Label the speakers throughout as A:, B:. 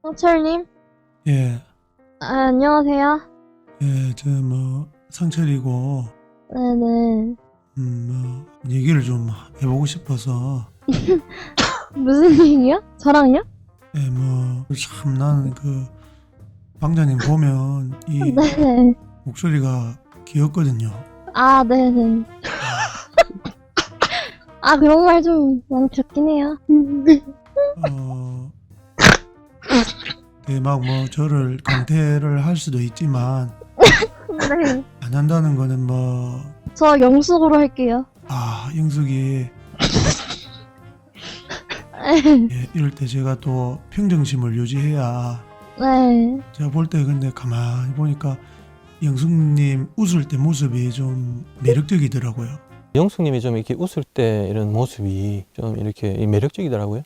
A: 상철님?
B: 예,
A: 안녕하세요.
B: 예, 상철이고,
A: 네네.
B: 얘기를 좀 해보고 싶어서,
A: 무슨 얘기요? 저랑요?
B: 예, 참, 나는 방장님 보면, 이
A: 네네.
B: 목소리가 귀엽거든요.
A: 아, 네네. 아, 그런 말 좀 많이 듣긴 해요.
B: 저를 강퇴를 할 수도 있지만,
A: 네.
B: 안 한다는 거는
A: 저 영숙으로 할게요.
B: 영숙이, 예, 이럴 때 제가 또 평정심을 유지해야,
A: 네.
B: 제가 볼 때 근데 가만히 보니까, 영숙님 웃을 때 모습이 좀 매력적이더라고요.
C: 영숙님이 좀 이렇게 웃을 때 이런 모습이 좀 이렇게 매력적이더라고요.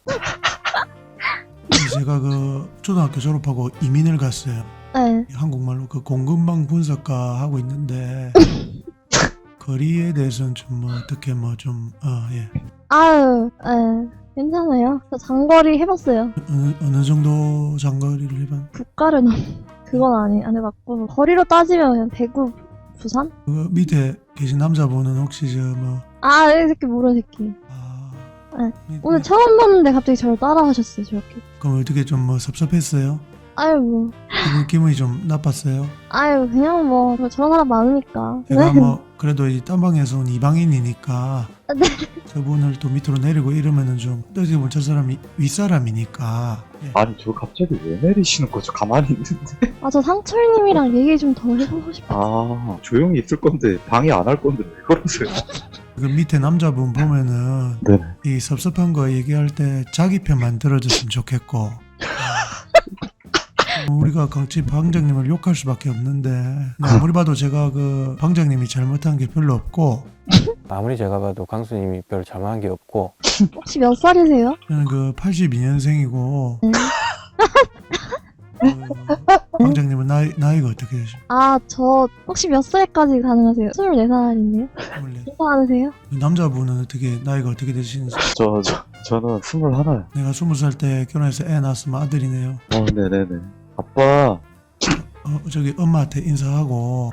B: 제가 초등학교 졸업하고 이민을 갔어요.
A: 네.
B: 한국말로 공급망 분석가 하고 있는데 거리에 대해서는 좀 어떻게 예.
A: 아유, 네. 괜찮아요. 저 장거리 해봤어요.
B: 어느 정도 장거리를 해봤?
A: 국가를 그건 안 해봤고. 거리로 따지면 그냥 대구, 부산?
B: 밑에 계신 남자분은 혹시
A: 아, 이 새끼 모르는 새끼. 네. 오늘
B: 네.
A: 처음 봤는데 갑자기 저를 따라 하셨어요, 저렇게.
B: 그럼 어떻게 좀 섭섭했어요?
A: 아유, 뭐.
B: 기분이 좀 나빴어요?
A: 아유, 그냥 뭐, 저런 사람 많으니까.
B: 제가
A: 네.
B: 그래도 이 딴방에서 온 이방인이니까
A: 네.
B: 저분을 또 밑으로 내리고 이러면은 좀 어떻게 보면 저 사람이 윗사람이니까 예.
D: 아니 저 갑자기 왜 내리시는 거죠? 가만히 있는데.
A: 아, 저 상철님이랑 얘기 좀 더 해보고 싶어.
D: 아 조용히 있을 건데 방해 안 할 건데 왜 그러세요?
B: 그 밑에 남자분 보면은
D: 네.
B: 이 섭섭한 거 얘기할 때 자기 편만 들어줬으면 좋겠고 우리가 강치 방장님을 욕할 수밖에 없는데 아무리 봐도 제가 방장님이 잘못한 게 별로 없고
C: 아무리 제가 봐도 강수님이 별 잘못한 게 없고.
A: 혹시 몇 살이세요?
B: 저는 82년생이고
A: 네.
B: 방장님은 나이가 어떻게 되십니까?
A: 아, 저 혹시 몇 살까지 가능하세요? 24살인데요?
B: 24.
A: 괜찮으세요?
B: 남자분은 나이가 어떻게 되시는지?
D: 저는 21.
B: 내가 20살 때 결혼해서 애 낳았으면 아들이네요.
D: 네네네. 아빠.
B: 저기 엄마한테 인사하고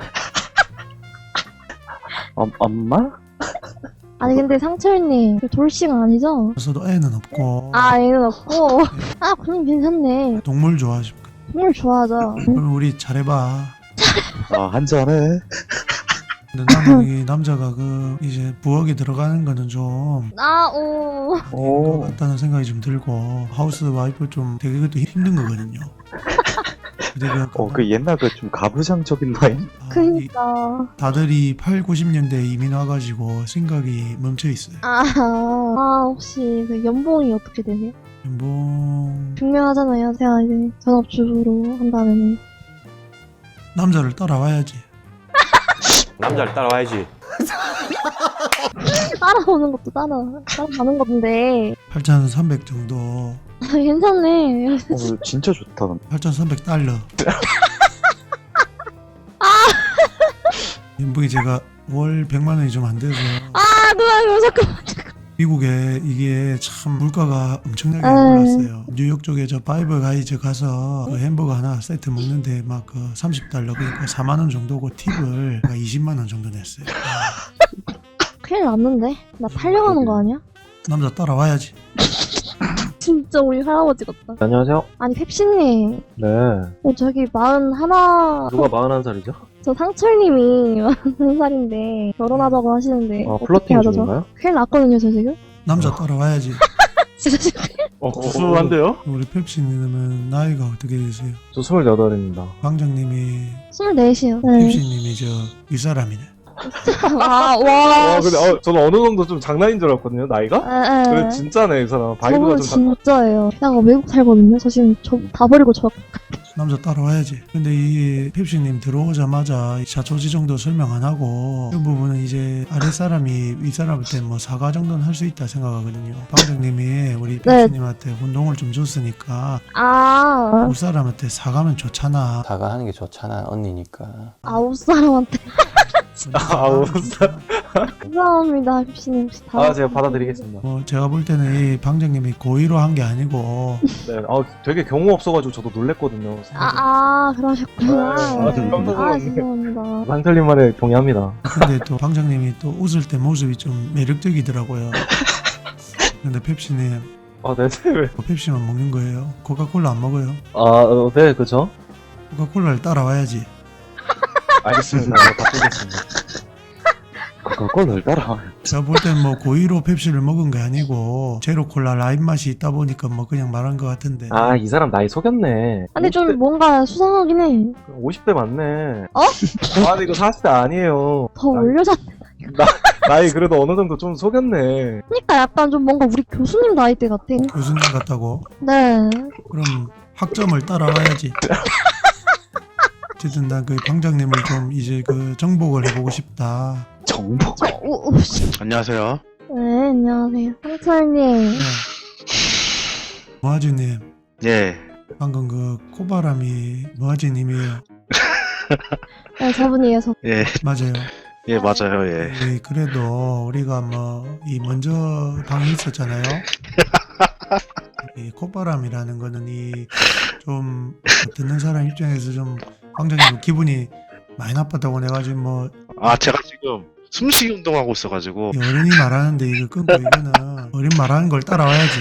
D: 엄마?
A: 아니, 근데 상철님, 그 돌싱 아니죠?
B: 저도 애는 없고
A: 아, 얘는 없고. 아, 그럼 괜찮네.
B: 동물 좋아하십니까?
A: 정말 좋아하죠.
B: 그럼 우리 잘해봐.
D: 한잔해.
B: 근데 나는 이 남자가 이제 부엌에 들어가는 거는 좀
A: 아, 오.
B: 것 같다는 생각이 좀 들고 하우스 와이프 좀 되게 그것도 힘든 거거든요. 근데
D: 그 옛날 좀 가부장적인 라인?
A: 그니까.
B: 다들 이 8, 90년대에 이민 와가지고 생각이 멈춰 있어요.
A: 혹시 그 연봉이 어떻게 되세요?
B: 연봉
A: 중요하잖아요. 제가 이제 전업주부로 한다면.
B: 남자를 따라와야지.
C: 남자를 따라와야지.
A: 따라오는 것도 따라가는 건데.
B: 8,300 정도.
A: 괜찮네.
D: 진짜 좋다.
B: 8,300달러. 연봉이 제가 월 100만 원이 좀 안 돼서
A: 누나, 이거 잠깐만.
B: 미국에 이게 참 물가가 엄청나게 올랐어요. 뉴욕 쪽에 저 파이브 가이즈 가서 햄버거 하나 세트 먹는데 30달러 그러니까 4만 원 정도고 팁을 20만 원 정도 냈어요.
A: 큰일 났는데? 나 팔려가는 거 아니야?
B: 남자 따라와야지.
A: 진짜 우리 할아버지 같다.
E: 안녕하세요.
A: 아니, 펩시님.
E: 네.
A: 저기 41.
E: 누가 41살이죠?
A: 저 상철님이 41살인데 결혼하자고 하시는데 어떻게
E: 플러팅
A: 하죠, 저?
E: 중인가요?
A: 큰일 났거든요, 저 지금?
B: 남자 따라와야지.
A: 진짜 지금.
E: 구수한데요?
B: 우리 펩시님은 나이가 어떻게 되세요?
E: 저 28입니다.
B: 방장님이
A: 24이요. 네.
B: 펩시님이 윗사람이네.
A: 와.
E: 근데 저는 어느 정도 좀 장난인 줄 알았거든요, 나이가? 근데 진짜네, 이 사람. 바이브가
A: 저는
E: 좀
A: 진짜예요. 제가 외국 살거든요. 저 지금 다 버리고
B: 남자 따라와야지. 근데 이 펩시님 들어오자마자 자초지 정도 설명 안 하고 이 부분은 이제 아랫사람이 윗사람한테 사과 정도는 할 수 있다 생각하거든요. 방장님이 우리 펩시님한테 운동을 좀 줬으니까 윗사람한테 사과면 좋잖아.
C: 사과하는 게 좋잖아, 언니니까.
A: 아웃 사람한테 감사합니다, 펩시님. 혹시 다.
E: 제가 받아드리겠습니다.
B: 뭐 제가 볼 때는 이 방장님이 고의로 한 게 아니고
E: 네, 되게 경우 없어가지고 저도 놀랬거든요.
A: 그러셨구나.
E: 네,
A: 죄송합니다.
E: 상철님 말에 동의합니다.
B: 근데 또 방장님이 또 웃을 때 모습이 좀 매력적이더라고요. 근데 펩시님
E: 네, 왜?
B: 펩시만 먹는 거예요? 코카콜라 안 먹어요?
E: 네, 그죠?
B: 코카콜라를 따라와야지.
E: 알겠습니다. 바꾸겠습니다.
D: 그걸 따라.
B: 제가 볼 땐 뭐 고의로 펩시를 먹은 게 아니고 제로 콜라 라임 맛이 있다 보니까 뭐 그냥 말한 것 같은데.
E: 이 사람 나이 속였네.
A: 근데 좀 뭔가 수상하긴 해.
E: 50대 맞네.
A: 어?
E: 근데 이거 40대 아니에요.
A: 더 올려졌네.
E: 나이 그래도 어느 정도 좀 속였네.
A: 그러니까 약간 좀 뭔가 우리 교수님 나이대 같아.
B: 교수님 같다고?
A: 네.
B: 그럼 학점을 따라와야지. 어쨌든 난 그 방장님을 좀 이제 그 정복을 해보고 싶다.
D: 정보.
F: 안녕하세요.
A: 네, 안녕하세요. 상철님.
B: 네. 모아지님
F: 예.
B: 방금 그 코바람이 모아지님이에요.
A: 네, 저분이에요, 저.
F: 예.
B: 맞아요.
F: 예, 맞아요. 예.
B: 그래도 우리가 뭐 이 먼저 방이 있었잖아요. 이 콧바람이라는 거는 이 좀 듣는 사람 입장에서 좀 방장님 기분이 많이 나빴다고 내가 지금 뭐
F: 제가 지금 숨쉬기 운동하고 있어가지고.
B: 이 어른이 말하는데 이거 끊고 이거는 어른 말하는 걸 따라와야지.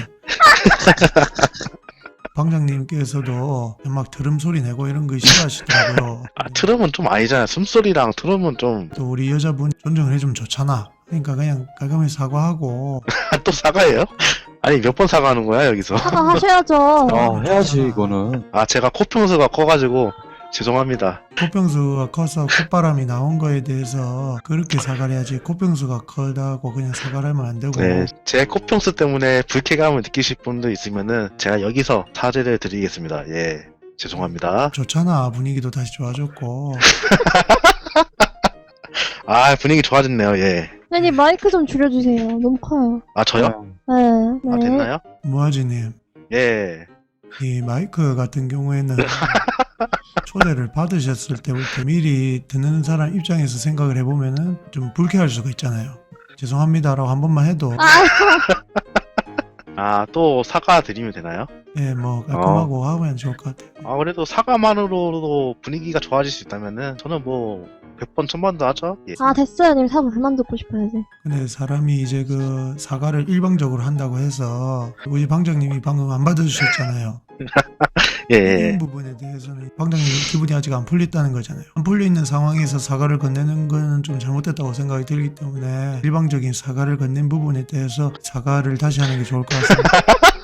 B: 방장님께서도 막 트름 소리 내고 이런 거 싫어하시더라고요.
F: 트럼은 좀 아니잖아요. 숨소리랑 트럼은 좀.
B: 또 우리 여자분 존중을 해주면 좋잖아. 그러니까 그냥 깔끔히 사과하고.
F: 또 사과해요? 아니, 몇 번 사과하는 거야, 여기서?
A: 사과하셔야죠.
D: 해야지, 이거는.
F: 제가 코평수가 커가지고, 죄송합니다.
B: 코병수가 커서 콧바람이 나온 거에 대해서 그렇게 사과를 해야지. 코병수가 커다고 그냥 사과를 하면 안 되고.
F: 네. 제 코평수 때문에 불쾌감을 느끼실 분도 있으면은, 제가 여기서 사죄를 드리겠습니다. 예. 죄송합니다.
B: 좋잖아. 분위기도 다시 좋아졌고.
F: 분위기 좋아졌네요, 예.
A: 아니, 마이크 좀 줄여주세요. 너무 커요.
F: 저요?
A: 네.
F: 됐나요?
B: 모아지님,
F: 예.
B: 이 마이크 같은 경우에는 초대를 받으셨을 때부터 미리 듣는 사람 입장에서 생각을 해보면은 좀 불쾌할 수가 있잖아요. 죄송합니다라고 한 번만 해도
F: 또 사과 드리면 되나요?
B: 예, 뭐 깔끔하고 하면 좋을 것 같아요.
F: 그래도 사과만으로도 분위기가 좋아질 수 있다면은 저는 뭐 100번 1000번도 하죠. 예.
A: 됐어요. 님 사과 그만 듣고 싶어야지.
B: 근데 사람이 이제 그 사과를 일방적으로 한다고 해서 우리 방장님이 방금 안 받아주셨잖아요.
F: 예.
B: 이런 부분에 대해서는 방장님 기분이 아직 안 풀렸다는 거잖아요. 안 풀려 있는 상황에서 사과를 건네는 거는 좀 잘못됐다고 생각이 들기 때문에 일방적인 사과를 건넨 부분에 대해서 사과를 다시 하는 게 좋을 것 같습니다.